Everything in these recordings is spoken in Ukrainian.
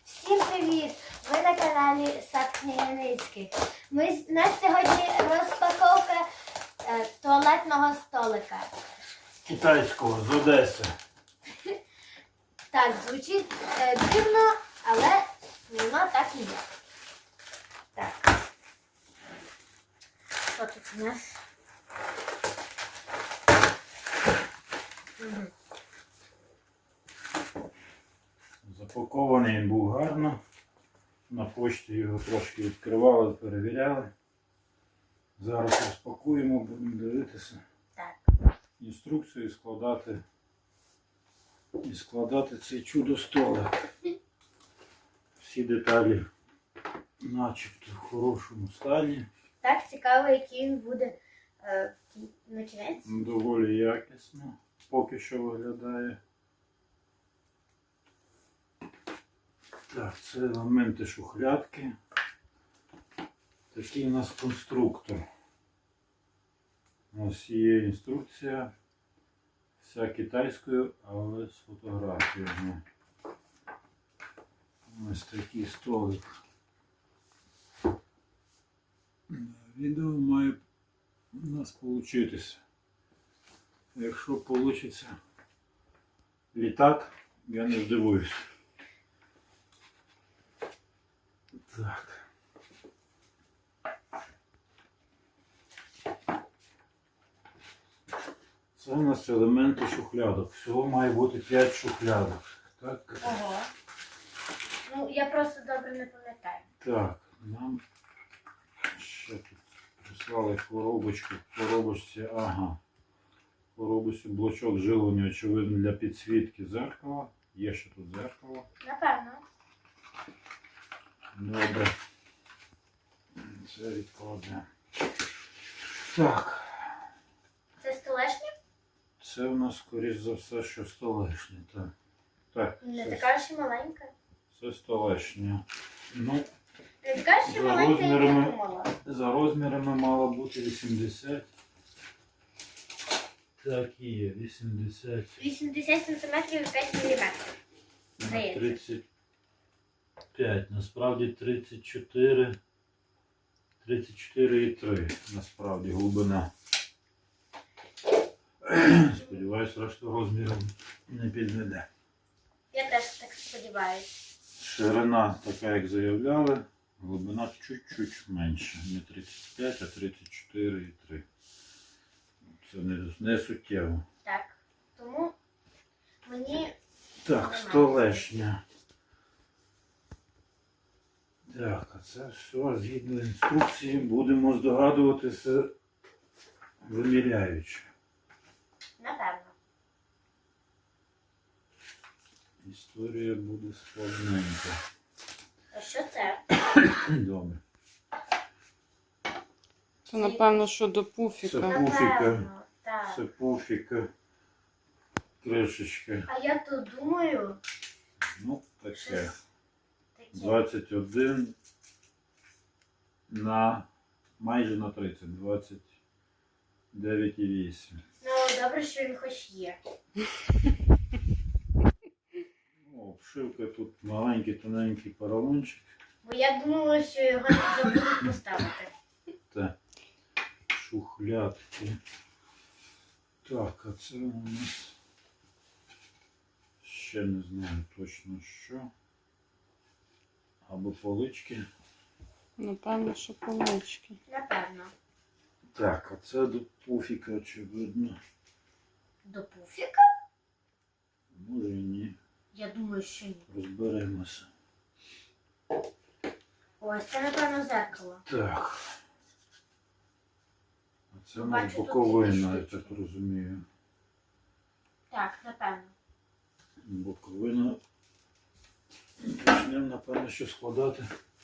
Всім привіт! Ви на каналі Сад Княгиницьких. У нас сьогодні розпаковка туалетного столика. Китайського з Одеси. Так, звучить дивно, але воно так і є. Так. Що тут у нас? Угу. Запакований він був гарно. На почті його трошки відкривали, перевіряли. Зараз розпакуємо, будемо дивитися. Так. Інструкцію і складати цей чудо-столик. Всі деталі начебто в хорошому стані. Так, цікаво, який він буде на кінець. Доволі якісно поки що виглядає. Так, це елементи шухлядки. Такий у нас конструктор. Ось є інструкція. Вся китайською, але з фотографіями. Ось такий столик. Відео має у нас вийти. Якщо вийде літак, я не здивуюсь. Так. Це у нас елементи шухлядок. Всього має бути 5 шухлядок. Так. Ого. Ну, я просто добре не пам'ятаю. Так, нам ще тут прислали коробочку. В коробочці, ага. В коробочці блочок живлення, очевидно, для підсвітки зеркала. Є ще тут зеркало. Напевно. Добре. Це відкладемо. Так. Це столешня? Це у нас, скоріш за все, що столешня. Так. Так, Не така ж і маленька. це столешня. Ну, Не така ж і За маленька, як я розмірами. думала. за розмірами мало бути 80. Так і є, 80 80 см і 5 мм. на Здається. 35. Насправді 34. 34,3. Насправді глибина. Сподіваюсь, решту розмірів не підведе. Я теж так сподіваюся. Ширина така, як заявляли, глибина чуть-чуть менше. Не 35, а 34,3. Це не суттєво. Так. Тому мені... Так, столешня. Так, а це все згідно інструкції будемо здогадуватися виміряючи. Напевно. Історія буде складненька. А що це? Добре. Це, напевно, що до пуфіка. Це пуфіка. Напевно, так. Це пуфіка. Кришечка. А я то думаю, Ну, таке. щось таке. 21 на майже на 30. 29,8. Ну, добре, що він хоч є. Ну, обшивка тут маленький, тоненький поролончик. Бо я думала, що його не забудуть поставити. Та шухлядки. Так, а це у нас ще не знаю точно що. Або полички. Напевно, що полички. Напевно. Так, а це до пуфіка, очевидно. До пуфіка? Може і ні. Я думаю, що ні. Розберемося. Ось це, напевно, зеркало. Так. А це у Бачу, нас тут боковина, я такі так штучки. розумію. Так, напевно. Боковина. Почнемо, напевно, що складати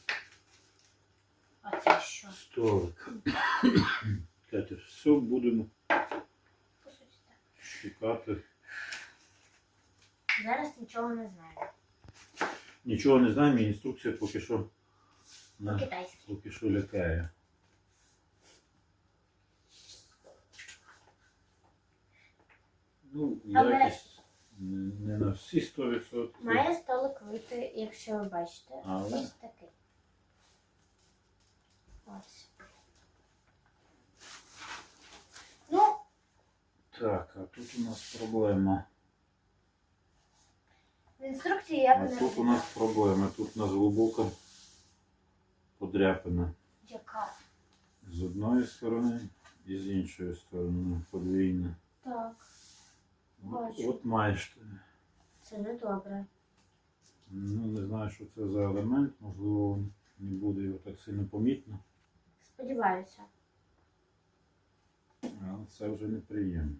А це що? столик. Катя, все будемо По суті, так. шукати. Зараз нічого не знаю. Нічого не знаємо, і інструкція поки що, По-китайськи. поки що лякає. Ну, Але- якість Не на всі 100%. Має столик вийти, якщо ви бачите. Але? Ось такий. Ось. Ну, Так, а тут у нас проблема. в інструкції як А не тут у нас проблема. Тут у нас глибока подряпина. Яка? З одної сторони і з іншої сторони. Подвійна. Так, От, Бачу. от маєш ти. це не добре. Ну, не знаю, що це за елемент. Можливо, не буде його так сильно помітно. Сподіваюся. Але це вже неприємно.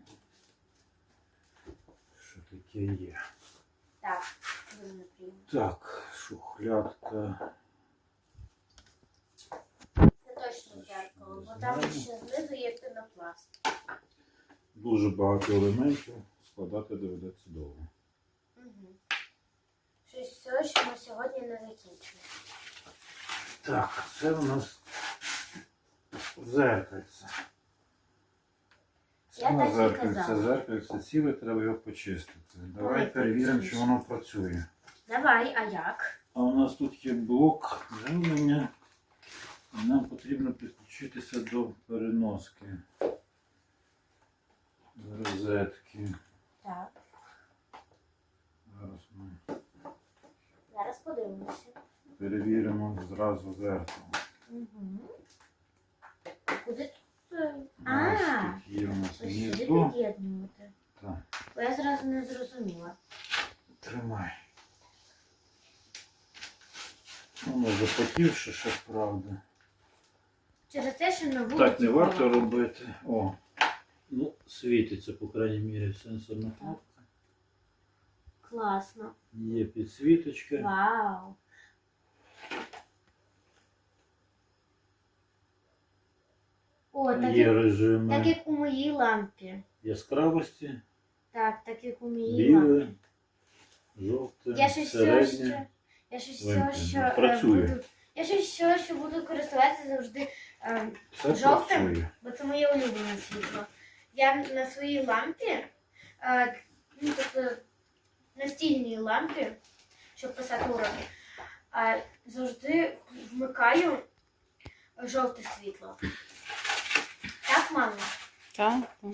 Що таке є? Так, дуже неприємно. Так, шухлядка. Це точно дзеркало, бо там ще знизу є пінопласт. Дуже багато елементів. Складати доведеться довго. Угу. Щось все, що ми сьогодні не закінчили. Так, це у нас зеркальце. Це Я у нас так і зеркальце. казала. Зеркальце ціле, треба його почистити. Давай Ой, перевіримо, почисть. чи воно працює. Давай, а як? А у нас тут є блок живлення. І нам потрібно підключитися до переноски. До розетки. Так, Зараз ми зараз подивимося. перевіримо зразу зеркало. Угу. Куди тут? Ось тут є у нас Ось сюди гніздо. під'єднувати. Так, Бо я зразу не зрозуміла. тримай. Воно запотівше, ще правда. Через те, що на вулиці. Так не варто холодно. робити. О, ну, світиться, по крайній мірі, сенсорна кнопка. Класно. Є підсвіточка. Вау. О, так Є як, режими так як у моїй лампі. яскравості, Так, так як у моїй лампі. біле, жовте, Я щось всього, середнє. я щось всього, що Працює. буду. Я щось всього, що буду користуватися завжди, Все жовтим? працює. бо це моє улюблене світло. Я на своїй лампі, ну тобто настільній лампі, щоб писати уроки, завжди вмикаю жовте світло. Так, мамо? Так, так.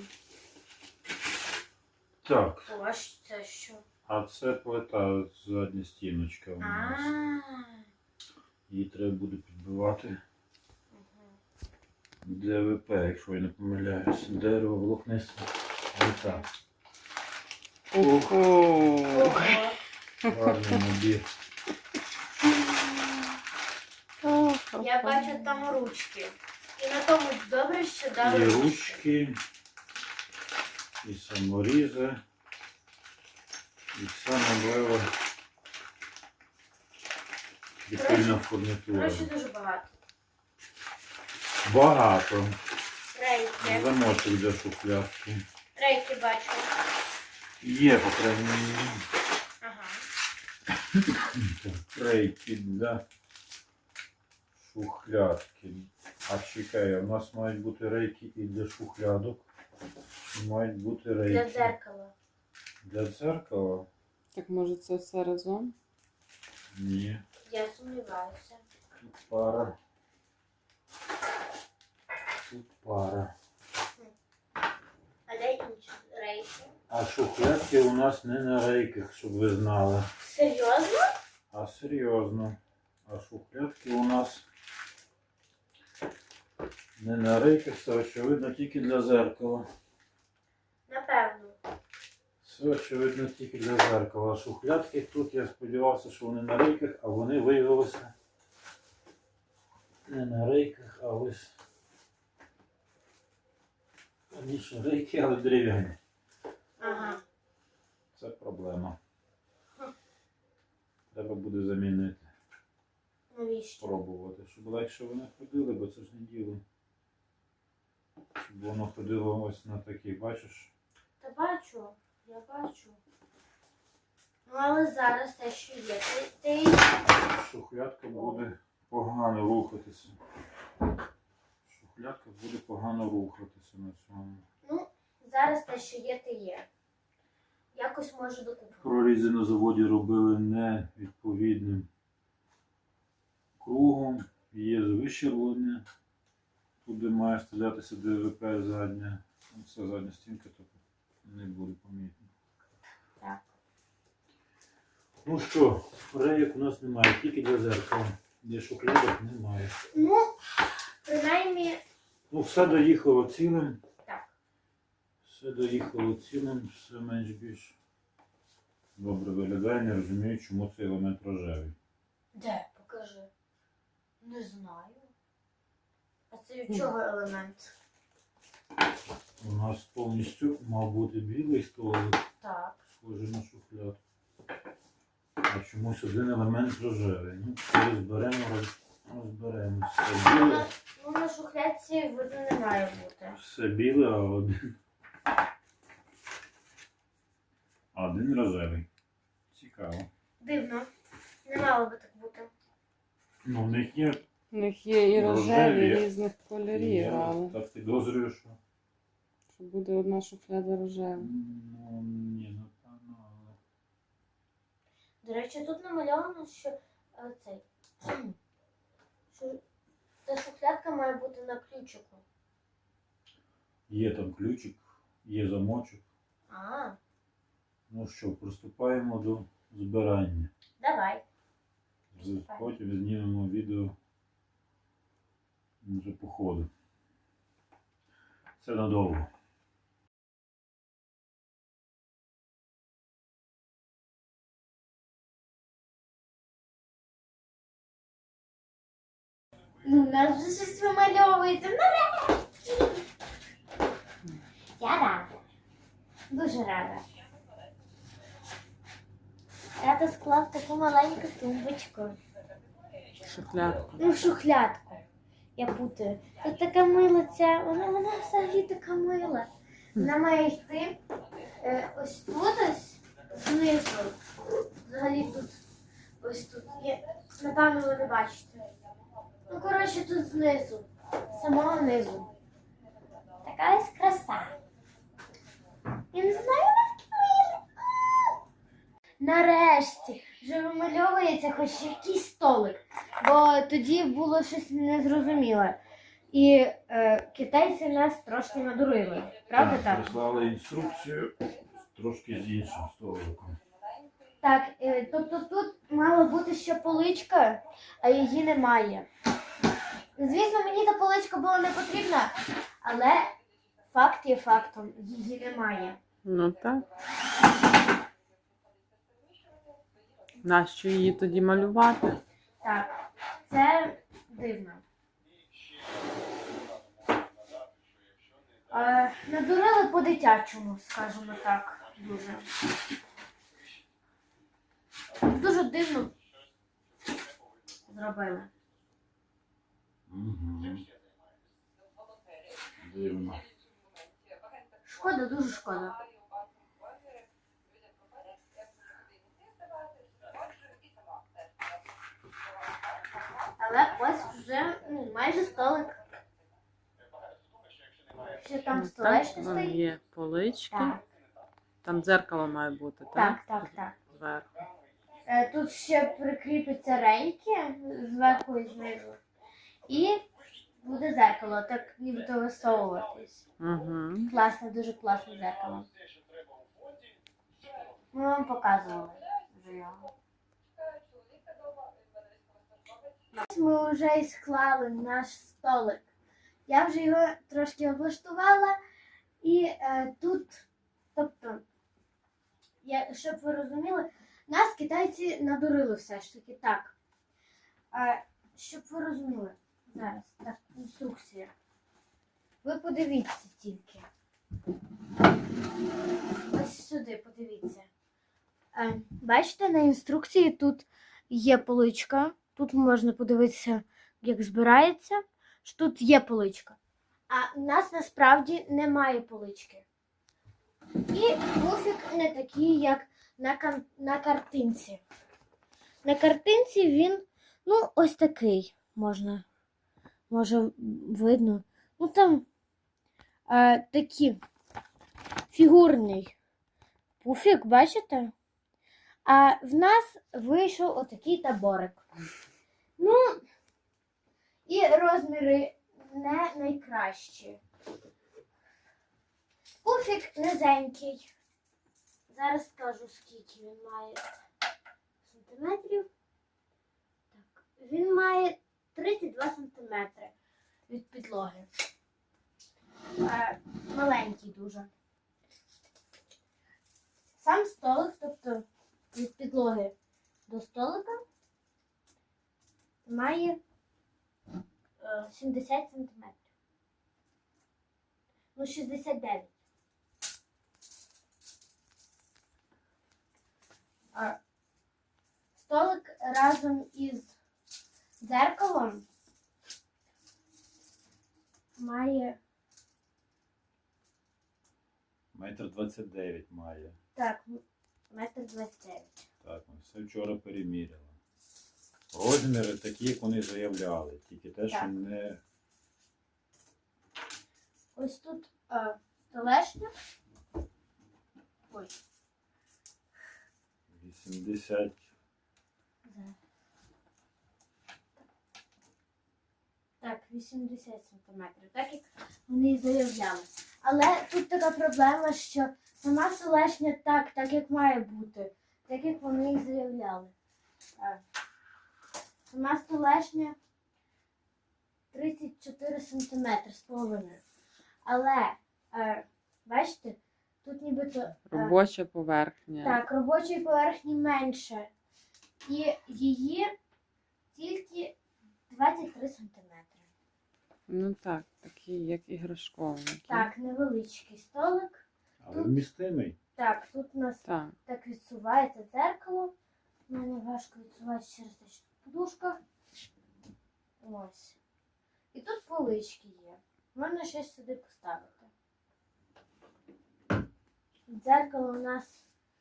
Так, Ось це що? а це плита, задня стіночка у нас. Її треба буде підбивати. ДВП, якщо я не помиляюсь. Дерево волокниста. Плита. Ого. Ого. Гарний набір. Я бачу там ручки. І на тому добре, що І дали ручки, і саморізи, і саме лева прикольна фурнітура. Гроші дуже багато. Багато. Рейки. Замочок для шухлядки. Рейки бачу. Є, по крайній мірі. Ага. Рейки для шухлядки. А чекай, у нас мають бути рейки і для шухлядок. І мають бути рейки. Для дзеркала. Для дзеркала? Так може це все разом? Ні. Я сумніваюся. Тут пара. Тут пара. А де інші рейки? А шухлядки у нас не на рейках, щоб ви знали. Серйозно? А серйозно. А шухлядки у нас не на рейках, це очевидно тільки для зеркала. Напевно. Це очевидно тільки для зеркала. А шухлядки тут я сподівався, що вони на рейках, а вони виявилися не на рейках, а ось раніше рейки, але дерев'яні. Ага. Це проблема. Треба буде замінити. Навіщо? Спробувати, щоб легше вони ходили, бо це ж не діло. Щоб воно ходило ось на такі, бачиш? Та бачу. Я бачу. Ну, але зараз те, що є. Ти... Шухлядка буде погано рухатися. Шухлядка буде погано рухатися на цьому. Ну, зараз те, що є, те є. якось може докупимо. Прорізи на заводі робили невідповідним кругом. Є вищерблення. Туди має стрілятися ДВП задня. Це задня стінка, то не буде помітно. Так. Ну що, рейок у нас немає, тільки для зеркала. Для шухлядок немає. Ну, принаймні, Ну, все доїхало цілим. так. Все доїхало цілим, все менш-більш добре виглядає. Не розумію, чому цей елемент рожевий. Де? Покажи. Не знаю. А це від чого елемент? У нас повністю мав бути білий столик, Так. схожий на шухлядку. А чомусь один елемент рожевий. Ну, коли зберемо, розберемося. Все біле, Ну, на шухлядці видно не має бути. все біле, а один рожевий. Цікаво. Дивно. Не мало би так бути. Ну, в них є. У них є і рожеві Рожеві. різних кольорів, Я але так підозрюю, що. що буде одна шухляда рожева. Ну, ні, напевно, але. До речі, тут намальовано, що цей. Що та шухлядка має бути на ключику. Є там ключик, є замочок. А, Ну що, приступаємо до збирання. давай. Потім знімемо відео вже по ходу. Це надовго. Ну, у нас вже щось вимальовується. Нарешті! Я рада. Дуже рада. Тато склав таку маленьку тумбочку. Шухлядку. Ну, шухлядку. Я путаю. Тут така мила ця, вона взагалі така мила. Вона має йти ось тут ось знизу. Взагалі тут ось тут. Напевно, ви не бачите. Ну, коротше, тут знизу. Самого низу. Така ось краса. Я не знаю, наскільки мило. Нарешті вже вимальовується хоч якийсь столик, бо тоді було щось незрозуміле. І китайці нас трошки надурили. Правда так? Прислали інструкцію трошки з іншим столиком. Так, тобто тут мала бути ще поличка, а її немає. Звісно, мені та поличка була не потрібна, але факт є фактом, її немає. Ну так. Нащо її тоді малювати? Так, це дивно. Надурили по-дитячому, скажімо так, дуже. Дуже дивно зробили. Угу. Дивно. Шкода, дуже шкода. Але ось вже майже столик. Ще там Ну, столешня так, стоїть. є полички. Так, Там дзеркало має бути, так, так? так, так. Зверху. Тут ще прикріпиться рейки зверху і знизу. І буде зеркало, так нібито висовуватись. Угу. Класне, дуже класне зеркало. Ми вам показували вже його. Ось ми вже і склали наш столик. Я вже його трошки облаштувала. І тут, тобто, щоб ви розуміли, нас китайці надурили все ж таки так. Щоб ви розуміли, зараз, так, інструкція. Ви подивіться тільки. Ось сюди, подивіться. Бачите, на інструкції тут є поличка. Тут можна подивитися, як збирається, що тут є поличка. А у нас насправді немає полички. І пуфік не такий, як на картинці. На картинці він, ну, ось такий, може видно. Ну, там такі фігурний пуфік, бачите? А в нас вийшов отакий таборик. Ну, і розміри не найкращі. Пуфік низенький. Зараз скажу, скільки він має сантиметрів. Так, він має 32 сантиметри від підлоги. Маленький дуже. Сам столик, тобто від підлоги до столика, має 70 сантиметрів. Ну, 69. Столик разом із дзеркалом має... Метр 29 має. Так, 1,29 м. Так, ми все вчора переміряли. Розміри такі, як вони заявляли. Тільки те, що Так. не... Ось тут столешня. Ой. 80. Так, 80 сантиметрів, так як вони і заявляли. Але тут така проблема, що сама столешня так як має бути, так як вони і заявляли. Сама столешня 34 сантиметри з половиною. Але, бачите, тут нібито... Робоча поверхня. Так, робочої поверхні менше. І її тільки 23 сантиметри. Ну так, такий, як іграшковий. Так, невеличкий столик. Але вмістимий. Так, тут у нас Так. так відсувається дзеркало. У мене важко відсувати через те, що тут подушка. Ось. І тут полички є. Можна щось сюди поставити. Дзеркало у нас...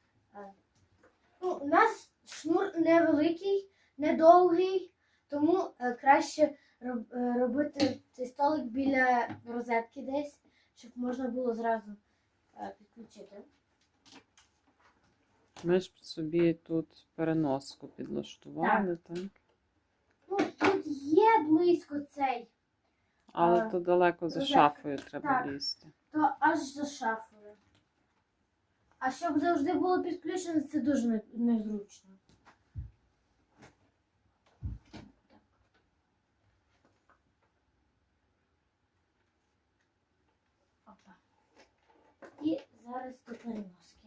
у нас шнур невеликий, недовгий, тому краще робити цей столик біля розетки десь, щоб можна було зразу підключити. Ми ж собі тут переноску підлаштували, так? Ну, тут є близько цей, Але то далеко за розетка. шафою треба Так. лізти. то аж за шафою. А щоб завжди було підключено, це дуже незручно. Опа. І зараз до переноски.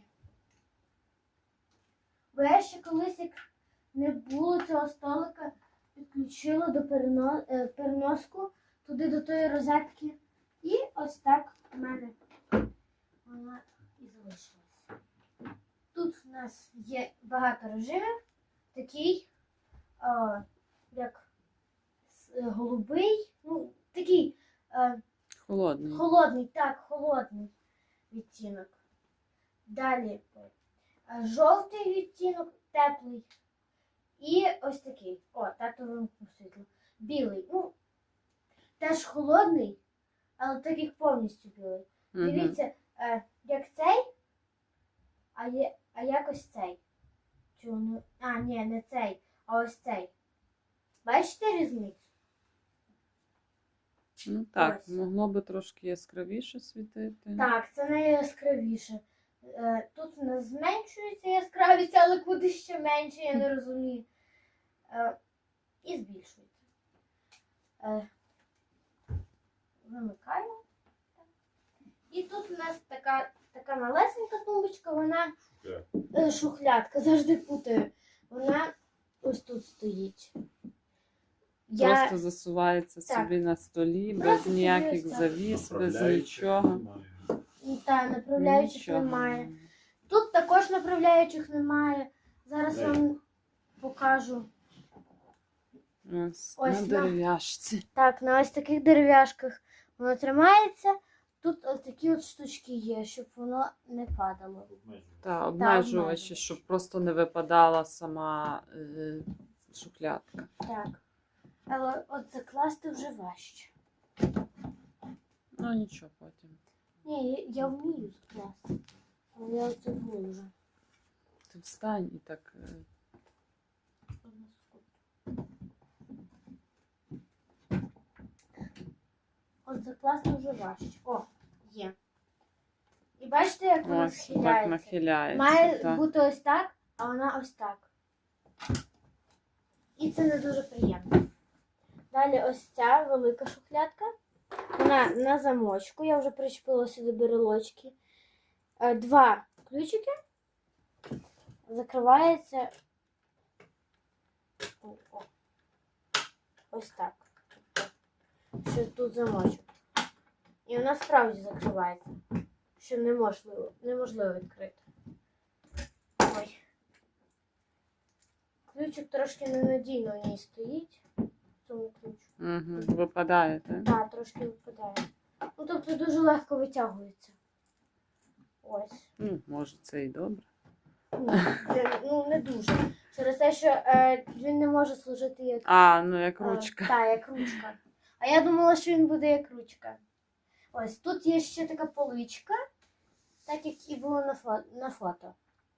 Бо я ще колись, як не було цього столика, підключила до переноску туди до тої розетки. І ось так в мене вона і залишилась. Тут в нас є багато режимів. Такий, як голубий, ну, такий Холодний. холодний відтінок. Далі жовтий відтінок, теплий. І ось такий. Тато вимкнув світло. Білий. Ну, теж холодний, але так як повністю білий. Мгм. Дивіться, як цей, а як ось цей. Ні, не цей, а ось цей. Бачите різницю? Ну так, Ось. могло би трошки яскравіше світити. Так, це найяскравіше. Тут у нас зменшується яскравість, але куди ще менше, я не розумію. І збільшується. Вимикаємо. І тут у нас така малесенька тумбочка, вона шухлядка, завжди путаю. Вона ось тут стоїть. Просто засувається Так. собі на столі, без Просто собі ніяких ось так. завіс, без Направляючих нічого. немає. Направляючих Нічого. немає. Тут також направляючих немає. Зараз Дай. вам покажу. Ось, Ось на на- дерев'яшці. Так, на ось таких дерев'яшках воно тримається. Тут ось такі от штучки є, щоб воно не падало. Обмежує. Та, обмежувачі, обмежувачі. щоб просто не випадала сама шухлядка. Так. Але от закласти вже важче. Ну нічого потім. Ні, я вмію закласти. Але я оце буду вже. Ти встань і так. Оце класно вже важче. О, є. І бачите, як вона Ось так схиляється? нахиляється. Має так. бути ось так, а вона ось так. І це не дуже приємно. Далі ось ця велика шухлядка. Вона на замочку. Я вже причепила сюди брелочки. 2 ключики. Закривається. О. Ось так. Що тут замочок. І вона справді закривається. Що неможливо відкрити. Ой. Ключик трошки ненадійно в ній стоїть. В цьому ключу. Угу. Випадає, так? Так, трошки випадає. Ну, тобто дуже легко витягується. Ось. Ну, може, це і добре. Не дуже. Через те, що він не може служити як Ну як ручка. Так, як ручка. А я думала, що він буде як ручка. Ось, тут є ще така поличка, так як і було на фото.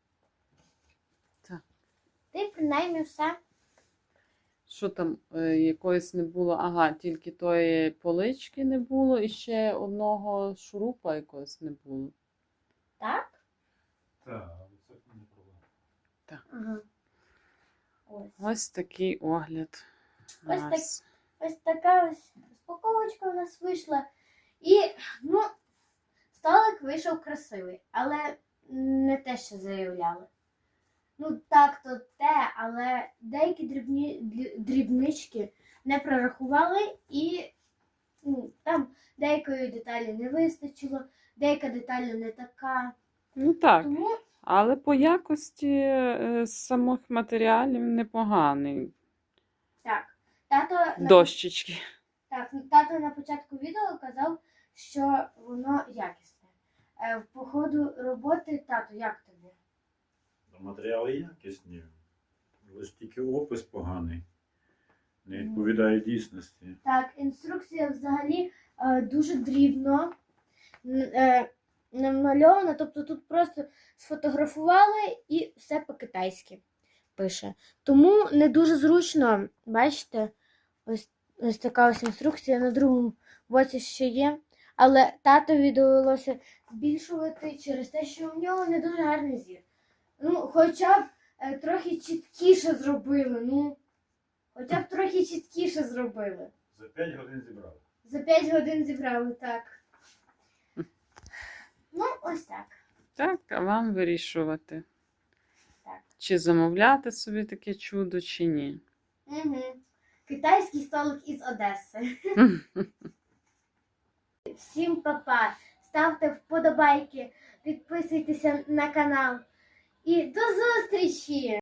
Так. Ти принаймні все. Що там якоїсь не було? Ага, тільки тої полички не було і ще одного шурупа якогось не було. Так? Так, це не проблема. Ага. Ось. Ось такий огляд. у Ось нас. Ось така ось розпаковочка у нас вийшла. І, столик вийшов красивий, але не те, що заявляли. Так, то те, але деякі дрібнички не прорахували і там деякої деталі не вистачило, деяка деталь не така. Ну так, Тому але по якості самих матеріалів непоганий. так, тато Дощечки. тато на початку відео казав, що воно якісне. По ходу роботи, тато, як тобі? Матеріали якісні. Лише тільки опис поганий. Не відповідає дійсності. Так, інструкція взагалі дуже дрібно намальована, тобто тут просто сфотографували і все по-китайськи пише. Тому не дуже зручно, бачите, ось така ось інструкція, на другому боці ще є. Але татові довелося збільшувати через те, що у нього не дуже гарний зір. Хоча б трохи чіткіше зробили, Хоча б трохи чіткіше зробили. За 5 годин зібрали. За 5 годин зібрали, так. Ось так. Так, а вам вирішувати. Так. Чи замовляти собі таке чудо, чи ні. Угу. Китайський столик із Одеси. Всім па-па. Ставте вподобайки, підписуйтеся на канал. І до зустрічі!